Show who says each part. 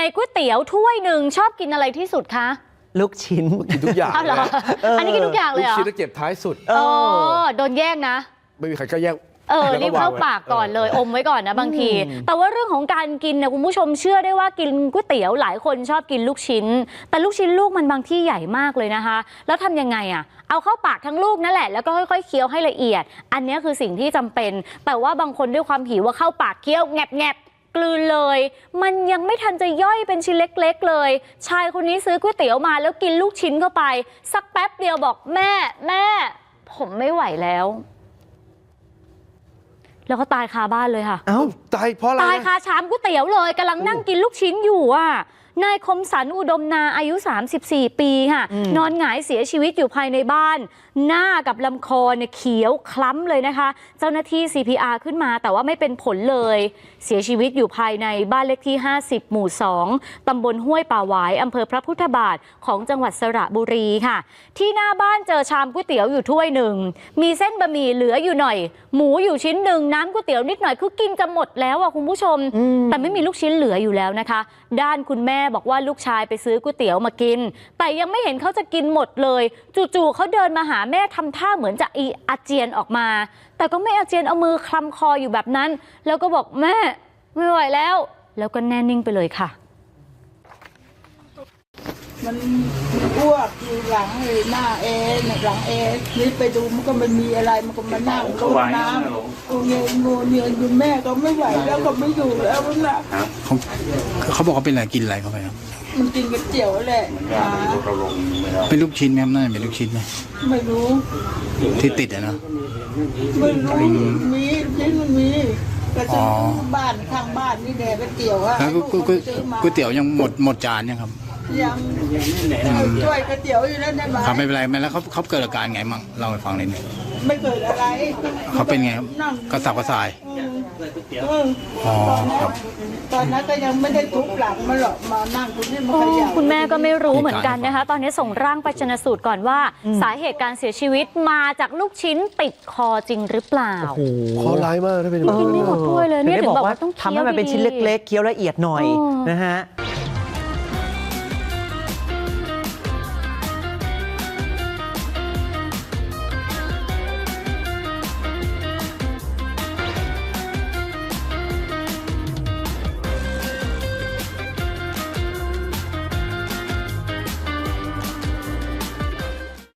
Speaker 1: ก๋วยเตี๋ยวถ้วยหนึ่งชอบกินอะไรที่สุดคะ
Speaker 2: ลูกชิ้น
Speaker 3: กินทุกอย่าง
Speaker 1: เหรออันนี้กินทุกอย่างเลยเหรอ
Speaker 3: ลูกชิ้นแล้วเก็บท้ายสุด
Speaker 1: โดนแย่งนะ
Speaker 3: ไม่มีใครก็แย่ง
Speaker 1: รีบเข้าปากก่อนเลยอมไว้ก่อนนะบางทีแต่ว่าเรื่องของการกินเนี่ยคุณผู้ชมเชื่อได้ว่ากินก๋วยเตี๋ยวหลายคนชอบกินลูกชิ้นแต่ลูกชิ้นลูกมันบางที่ใหญ่มากเลยนะคะแล้วทำยังไงเอาเข้าปากทั้งลูกนั่นแหละแล้วก็ค่อยๆเคี้ยวให้ละเอียดอันนี้คือสิ่งที่จำเป็นแต่ว่าบางคนด้วยความหิวว่าเข้าปากเคี้ยวแงบกลืนเลยมันยังไม่ทันจะย่อยเป็นชิ้นเล็กๆเลยชายคนนี้ซื้อก๋วยเตี๋ยวมาแล้วกินลูกชิ้นเข้าไปสักแป๊บเดียวบอกแม่ผมไม่ไหวแล้วแล้วก็ตายคาบ้านเลยค่ะ
Speaker 3: ตายเพราะอะไร
Speaker 1: ตายคาชามก๋วยเตี๋ยวเลยกำลังนั่งกินลูกชิ้นอยู่นายคมสันอุดมนาอายุ34ปีค่ะนอนหงายเสียชีวิตอยู่ภายในบ้านหน้ากับลำคอเนี่ยเขียวคล้ำเลยนะคะเจ้าหน้าที่ CPR ขึ้นมาแต่ว่าไม่เป็นผลเลยเสียชีวิตอยู่ภายในบ้านเลขที่50หมู่2ตำบลห้วยป่าหวายอำเภอพระพุทธบาทของจังหวัดสระบุรีค่ะที่หน้าบ้านเจอชามก๋วยเตี๋ยวอยู่ถ้วยหนึ่งมีเส้นบะหมี่เหลืออยู่หน่อยหมูอยู่ชิ้นหนึ่งน้ำก๋วยเตี๋ยวนิดหน่อยคือกินจะหมดแล้วคุณผู้ชมแต่ไม่มีลูกชิ้นเหลืออยู่แล้วนะคะด้านคุณแม่บอกว่าลูกชายไปซื้อก๋วยเตี๋ยวมากินแต่ยังไม่เห็นเขาจะกินหมดเลยจู่ๆเขาเดินมาหาแม่ทำท่าเหมือนจะอาเจียนออกมาแต่ก็ไม่อาเจียนเอามือคลำคออยู่แบบนั้นแล้วก็บอกแม่ไม่ไหวแล้วก็แน่นิ่งไปเลยค่ะ
Speaker 4: มันอ้วกอยู่หลังหน้าหลังนี่ไปดูมันก็ไม่มีอะไรมันก็มานั่งลงน้ำงูเงียอยู่แม่ก็ไม่ไหวแล้วก็ไม่อยู่แล้วนะ
Speaker 5: เขาบอกว่าเป็นอะไรกินอะไรเข้าไปครับ
Speaker 4: มันกินก๋วยเตี๋ยวแหละ
Speaker 5: เป็นลูกชิ้นไหมครับน่าจะเป็นลูกชิ้นไหม
Speaker 4: ไม่รู้
Speaker 5: ที่ติดนะ
Speaker 4: ไม่รู้มีชิ้นมันมีก็ซื้อบ้านข้างบ้านนี่แหละก๋วยเตี๋ยว
Speaker 5: แล้วก๋วยเตี๋ยวยังหมดจานยังครับ
Speaker 4: ยังช่วยก๋วยเตี๋ยวอยู่แล้วได้ไหม
Speaker 5: ครับไม่เป็นไรแล้วเขาเกิดอาการไงมั่งเล่าให้ฟังนิดนึง
Speaker 4: ไม่เกิดอะไร
Speaker 5: เขาเป็นไงครับกระสับกระส่าย
Speaker 4: ตอนนั้นก็ยังไม่ได้ทุบหลังมาหรอกมานั่งตรงนี้มาขยับ
Speaker 1: คุณแม่ก็ไม่รู้เหมือนกันนะคะตอนนี้ส่งร่างไปชันสูตรก่อนว่าสาเหตุการเสียชีวิตมาจากลูกชิ้นติดคอจริงหรือเปล่า
Speaker 3: คอร้ายมากถ้าเป็น
Speaker 1: กินไม่หมดถ้วยเลยเนี่ยถึงบอกว่าต้อง
Speaker 2: ทำให้มันเป็นชิ้นเล็กๆเคี้ยวละเอียดหน่อยนะฮะ